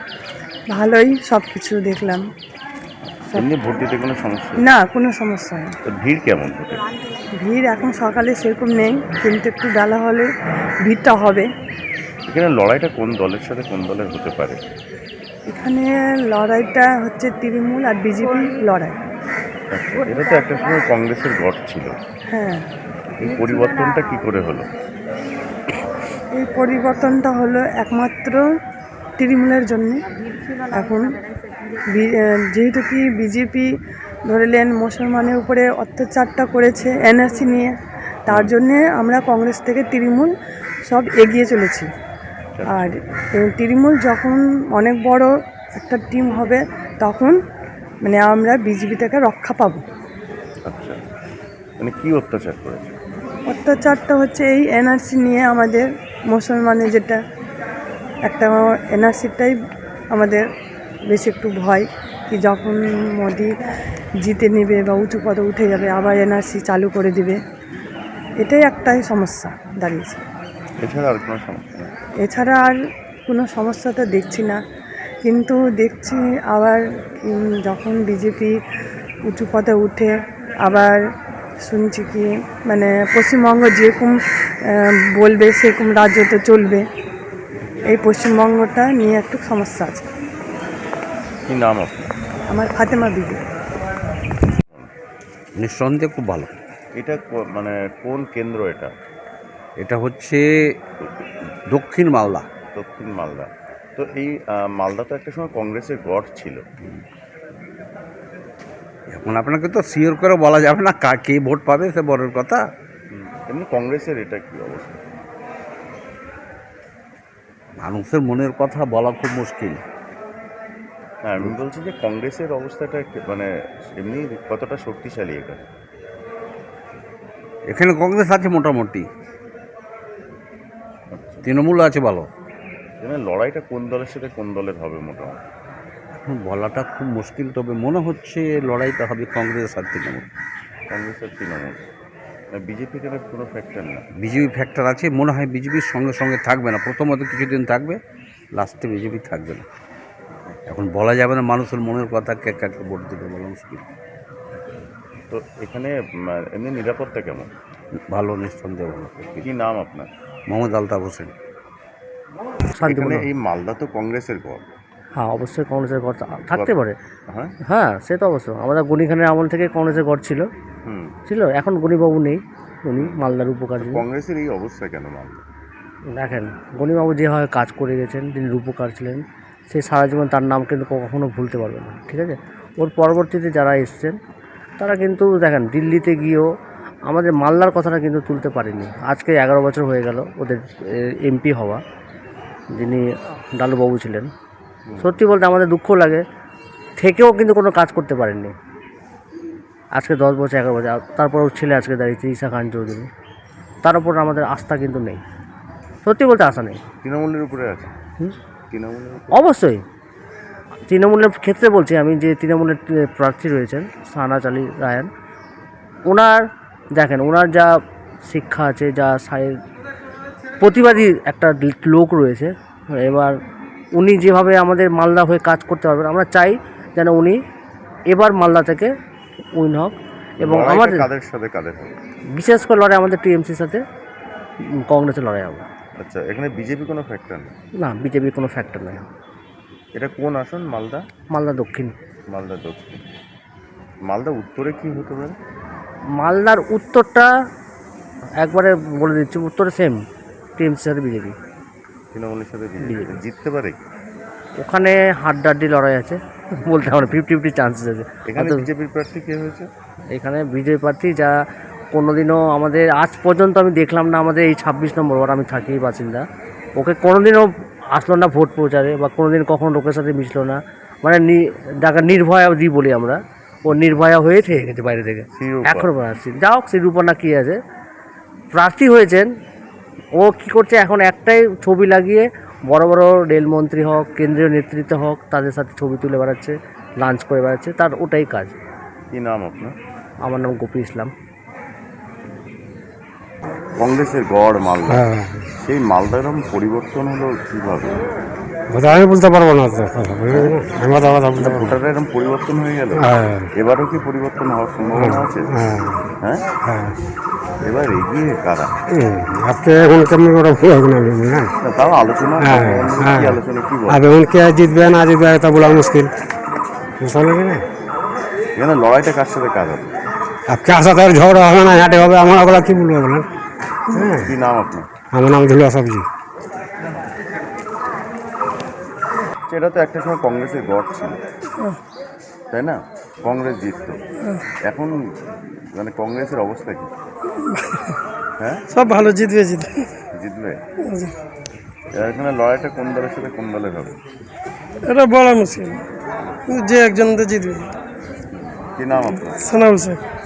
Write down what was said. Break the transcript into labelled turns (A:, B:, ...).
A: ভালোই সব কিছু দেখলাম।
B: এমনি ভোট দিতে কোনো সমস্যা?
A: না, কোনো সমস্যা নেই।
B: তো ভিড় কেমন ভোটে?
A: ভিড় এখন সকালে সেরকম নেই, কিন্তু একটু বেলা হলে ভিড়টা হবে।
B: এখানে লড়াইটা কোন দলের সাথে কোন দলের হতে পারে?
A: এখানে লড়াইটা হচ্ছে তৃণমূল আর বিজেপি লড়াই।
B: আচ্ছা, এটা তো একটা সময় কংগ্রেসের গড় ছিল।
A: হ্যাঁ,
B: এই পরিবর্তনটা কি করে হলো?
A: এই পরিবর্তনটা হলো একমাত্র তৃণমূলের জন্য। এখন যেহেতু কি বিজেপি ধরলেন মুসলমানের উপরে অত্যাচারটা করেছে এনআরসি নিয়ে, তার জন্যে আমরা কংগ্রেস থেকে তৃণমূল সব এগিয়ে চলেছি। আর তৃণমূল যখন অনেক বড় একটা টিম হবে, তখন মানে আমরা বিজেপি থেকে রক্ষা পাবো।
B: আচ্ছা, মানে কি অত্যাচার করেছে?
A: অত্যাচারটা হচ্ছে এই এনআরসি নিয়ে, আমাদের মুসলমানের যেটা একটা এনআরসিটাই আমাদের বেশি একটু ভয়, কি যখন মোদি জিতে নেবে বা উঁচু পদে উঠে যাবে আবার এনআরসি চালু করে দিবে, এটাই একটাই সমস্যা দাঁড়িয়েছে।
B: এছাড়া আর কোনো সমস্যা নেই?
A: এছাড়া আর কোনো সমস্যা তো দেখছি না, কিন্তু দেখছি আবার যখন বিজেপি উঁচু পদে উঠে আবার শুনছি কি মানে পশ্চিমবঙ্গ যেরকম বলবে সেরকম রাজ্যতে চলবে, এই পশ্চিমবঙ্গটা নিয়ে একটু সমস্যা আছে।
B: কি নাম আপনার?
A: আমার ফাতেমা বিবি।
C: নিঃসন্দেহে খুব ভালো।
B: এটা মানে কোন কেন্দ্র এটা?
C: এটা হচ্ছে দক্ষিণ মালদা।
B: দক্ষিণ মালদা। তো এই মালদা তো একটা সময় কংগ্রেসের গড় ছিল।
C: এখন আপনাকে তো শিওর করে বলা যাবে না কে ভোট পাবে, সে বড়ের কথা।
B: এমনি কংগ্রেসের এটা কি অবস্থা?
C: মানুষের মনের কথা বলা খুব মুশকিল।
B: হ্যাঁ, আমি বলছি যে কংগ্রেসের অবস্থাটা মানে এমনি কতটা শক্তিশালী এখানে?
C: এখানে কংগ্রেস আছে মোটামুটি, তৃণমূল আছে ভালো।
B: এখানে লড়াইটা কোন দলের সাথে কোন দলের হবে মোটামুটি?
C: এখন বলাটা খুব মুশকিল, তবে মনে হচ্ছে লড়াইটা হবে কংগ্রেস আর তৃণমূল।
B: কংগ্রেস আর তৃণমূল। বিজেপি এখানে কোনো ফ্যাক্টর না?
C: বিজেপি ফ্যাক্টর আছে, মনে হয় বিজেপির সঙ্গে সঙ্গে থাকবে না, প্রথমত কিছুদিন থাকবে, লাস্টে বিজেপি থাকবে না। এখন বলা যাবে না মানুষের মনের কথা, কে কাকে ভোট দেবে বলা মুশকিল।
B: তো এখানে এমনি নিরাপত্তা কেমন?
C: ভালো, নিঃসন্দেহে ভালো।
B: কি নাম আপনার?
C: মোহাম্মদ আলতাফ হোসেন।
B: এখানে এই মালদা তো কংগ্রেসের গড়।
D: হ্যাঁ, অবশ্যই কংগ্রেসের গড় থাকতে পারে।
B: হ্যাঁ,
D: হ্যাঁ, সে তো অবশ্য আমাদের গণিখানের আমল থেকে কংগ্রেসের গড় ছিল। এখন গণিবাবু নেই, উনি মালদার উপকার।
B: কংগ্রেসের এই অবস্থা কেন মালদা?
D: দেখেন, গণিবাবু যেভাবে কাজ করে গেছেন, তিনি রূপকার ছিলেন, সে সারা জীবন তার নাম কিন্তু কখনো ভুলতে পারবে না, ঠিক আছে? ওর পরবর্তীতে যারা এসছেন তারা কিন্তু দেখেন দিল্লিতে গিয়েও আমাদের মালদার কথাটা কিন্তু তুলতে পারেনি। আজকে 11 বছর হয়ে গেল ওদের এমপি হওয়া, যিনি ডালুবাবু ছিলেন। সত্যি বলতে আমাদের দুঃখ লাগে, থেকেও কিন্তু কোনো কাজ করতে পারেননি। আজকে 10 বছর 11 বছর, তারপর ওর ছেলে আজকে দাঁড়িয়েছে ঈশা খান চৌধুরী, তার উপর আমাদের আস্থা কিন্তু নেই, সত্যি বলতে আশা নেই।
B: তৃণমূলের উপরে আছে? তৃণমূলের
D: অবশ্যই তৃণমূলের ক্ষেত্রে বলছি আমি, যে তৃণমূলের প্রার্থী রয়েছেন শাহনাজ আলী রায়হান, ওনার দেখেন ওনার যা শিক্ষা আছে, যা প্রতিবাদী একটা লোক রয়েছে। এবার উনি যেভাবে আমাদের মালদা হয়ে কাজ করতে পারবেন, আমরা চাই যেন উনি এবার মালদা থেকে উইন হোক। এবং আমাদের
B: কাদের সাথে কাদের হবে?
D: বিশেষ করে লড়াই আমাদের টিএমসির সাথে কংগ্রেসের লড়াই হবে।
B: আচ্ছা, এখানে বিজেপি কোনো ফ্যাক্টর নেই?
D: না, বিজেপির কোনো ফ্যাক্টর নেই।
B: এটা কোন আসন? মালদা?
D: মালদা দক্ষিণ।
B: মালদা দক্ষিণ। মালদা উত্তরে কি হতে পারে?
D: মালদার উত্তরটা একবারে বলে দিচ্ছি, উত্তরে সেম টিএমসির সাথে বিজেপি।
B: তৃণমূলের সাথে বিজেপি জিততে পারে?
D: ওখানে হাড্ডাহাড্ডি লড়াই আছে, বলতে হবে 50-50 চান্সেস আছে।
B: এখানে বিজেপির প্রার্থী কে হয়েছে?
D: এখানে বিজেপি প্রার্থী যা কোনোদিনও আমাদের আজ পর্যন্ত আমি দেখলাম না, আমাদের এই 26 নম্বর ওয়ার্ড, আমি থাকি বাসিন্দা, ওকে কোনোদিনও আসলো না ভোট প্রচারে, বা কোনোদিন কখনো লোকের সাথে মিশলো না, মানে যাকে নির্ভয়া দিই বলি আমরা, ও নির্ভয়া হয়ে থেকে গেছে বাইরে থেকে। এখন যা হোক, শ্রীরূপা না কি আছে, প্রার্থী হয়েছেন। ও কি করছে এখন, একটাই ছবি লাগিয়ে বড় বড় রেলমন্ত্রী হোক, কেন্দ্রীয় নেতৃত্ব হোক, তাদের সাথে ছবি তুলে বেড়াচ্ছে, লাঞ্চ করে বেড়াচ্ছে, তার ওটাই কাজ।
B: কি নাম আপনার?
D: আমার নাম গোপী ইসলাম।
B: কংগ্রেসের গড় মালদা, সেই মালদার পরিবর্তন হলো কিভাবে?
E: ওটা আমি বলতে পারবো না তো কথা, বুঝলি না? আমি কথা বলতে পারবো না।
B: ভোটাররা এরকম পরিবর্তন হয়ে গেল,
E: হ্যাঁ
B: এবারও কি পরিবর্তন হওয়ার সম্ভাবনা আছে?
E: হ্যাঁ
B: হ্যাঁ,
E: হ্যাঁ
B: এবার এগিয়ে কারা?
E: আপনি এখন কেমন করে ভুল হবে না বুঝলেন?
B: না, তাও আলোচনা
E: হ্যাঁ, হ্যাঁ।
B: কি আলোচনা কি বল?
E: আর এখন কে জিতবে না জিতবে তা বলা মুশকিল, বুঝতে পারলেন না?
B: এখানে লড়াইটা কার সাথে কাজ হবে?
E: আর কার সাথে আর ঝগড়া হবে না, হাঁটে হবে, আমার ওগুলো কি বলবো বলেন? হ্যাঁ,
B: কি নাম আপনার?
E: আমার নাম ধুলুয়া সবজি।
B: এটা তো একটা সময় কংগ্রেসের গড় ছিল, তাই না? কংগ্রেস জিতত, এখন মানে কংগ্রেসের অবস্থা কি? হ্যাঁ,
A: সব ভালো, জিতবে জিতবে।
B: জিতবে? এবার এখানে লড়াইটা কোন দলের সাথে কোন দলের হবে?
A: এটা বলা মুশকিল, যে একজন তো জিতবে।
B: কি নাম আপনার?
A: সানাউল শেখ।